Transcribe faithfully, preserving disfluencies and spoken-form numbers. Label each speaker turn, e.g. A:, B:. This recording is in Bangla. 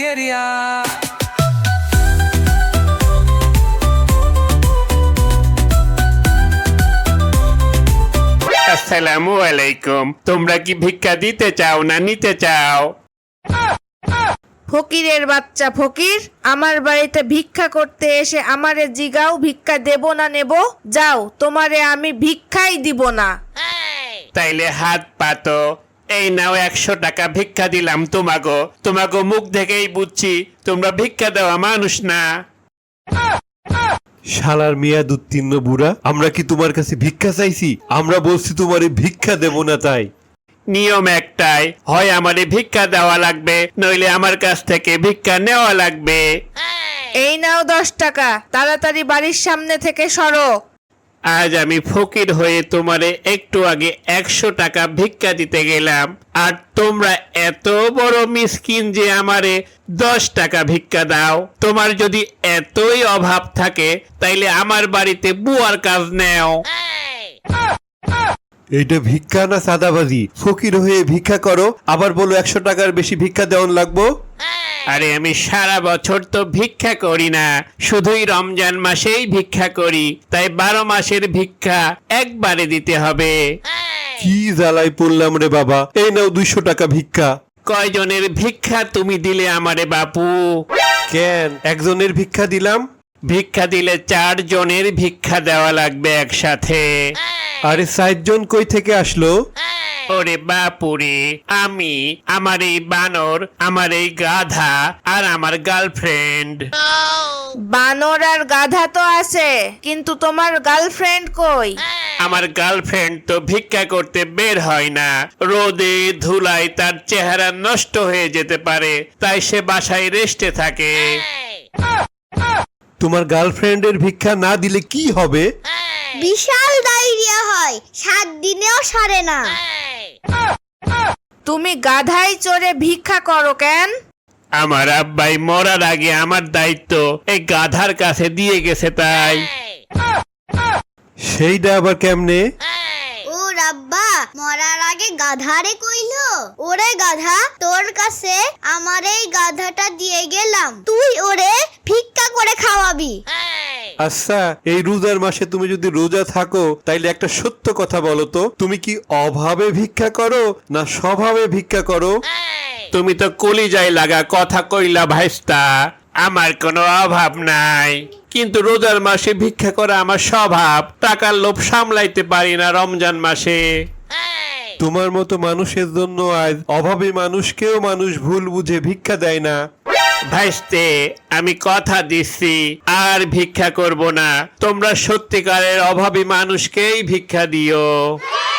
A: এরিয়া।
B: আসসালামু আলাইকুম। তোমরা কি ভিক্ষা দিতে চাও না নিতে চাও?
C: ফকিরের বাচ্চা ফকির, আমার বাড়িতে ভিক্ষা করতে এসে আমারে জিগাও ভিক্ষা দেব না নেব? যাও, তোমারে আমি ভিক্ষাই দিব না।
B: তাইলে হাত পাতো। এই নাও একশো টাকা ভিক্ষা দিলাম তোমাগো। তোমাগো মুখ দেখেই বুঝছি তোমরা ভিক্ষা দেওয়া মানুষ না।
D: শালার মেয়াদ উত্তীর্ণ বুড়া, আমরা কি তোমার কাছে ভিক্ষা চাইছি? আমরা বলছি তোমারে ভিক্ষা দেব না। তাই
B: নিয়ম একটাই, হয় আমারে ভিক্ষা দেওয়া লাগবে, নইলে আমার কাছ থেকে ভিক্ষা নেওয়া লাগবে।
C: এই নাও দশ টাকা, তাড়াতাড়ি বাড়ির সামনে থেকে সরো।
B: আজ আমি ফকির হয়ে তোমারে একটু আগে একশো টাকা ভিক্ষা দিতে গেলাম, আর তোমরা এত বড় মিসকিন যে আমারে দশ টাকা ভিক্ষা দাও। তোমার যদি এতই অভাব থাকে তাইলে আমার বাড়িতে বুয়ার কাজ নেও।
D: এইটা ভিক্ষা না সাদাবাজি? ফকির হয়ে ভিক্ষা করো, আবার বলো একশো টাকার বেশি ভিক্ষা দেওয়ান লাগবো।
B: আরে আমি সারা বছর তো ভিক্ষা করি না, শুধুই রমজান মাসেই ভিক্ষা করি, তাই বারো মাসের ভিক্ষা একবারে দিতে হবে।
D: কি জ্বালাই পড়লাম রে বাবা। এই নাও দুইশো টাকা ভিক্ষা।
B: কয়জনের ভিক্ষা তুমি দিলে আমারে বাপু?
D: কেন একজনের ভিক্ষা দিলাম?
B: ভিক্ষা দিলে চার জনের ভিক্ষা দেওয়া লাগবে একসাথে।
D: আরে ষাটজন কই থেকে আসলো?
B: ওরে বাপুরে, আমি, আমার এই বানর, আমার এই গাধা, আর আমার গার্লফ্রেন্ড।
C: বানর আর গাধা তো আছে, কিন্তু তোমার গার্লফ্রেন্ড কই?
B: আমার গার্লফ্রেন্ড তো ভিক্ষা করতে বের হয় না, রোদে ধুলায় তার চেহারা নষ্ট হয়ে যেতে পারে, তাই সে বাসায় রেস্টে থাকে।
D: তোমার গার্লফ্রেন্ডের ভিক্ষা না দিলে কি হবে?
E: বিশাল ডায়রিয়া হয়, সাত দিনেও সারে না।
C: তুমি গাধায় চড়ে ভিক্ষা করো কেন?
B: আমার আব্বাই মরার আগে আমার দায়িত্ব এই গাধার কাছে দিয়ে গেছে, তাই।
D: সেইটা আবার কেমনে?
E: ও রাব্বা, মরার আগে গাধারে কইলো, ওরে গাধা, তোর কাছে আমার এই গাধাটা দিয়ে গেলাম, তুই ওরে ভিক্ষা করে খাওয়াবি।
D: আচ্ছা, এই রোজার মাসে তুমি যদি রোজা থাকো তাইলে একটা সত্য কথা বলো তো, তুমি কি অভাবে ভিক্ষা করো না স্বভাবে ভিক্ষা করো?
B: তুমি তো কলিজায় লাগা কথা কইলা ভাইস্তা। আমার কোনো অভাব নাই, কিন্তু রোজার মাসে ভিক্ষা করা আমার স্বভাব। টাকার লোভ সামলাইতে পারি না রমজান মাসে।
D: তোমার মতো মানুষের জন্য আজ অভাবী মানুষকেও মানুষ ভুল বুঝে ভিক্ষা দেয় না।
B: ভাইস্তে, আমি কথা দিচ্ছি আর ভিক্ষা করব না। তোমরা সত্যিকারের অভাবী মানুষকেই ভিক্ষা দিও।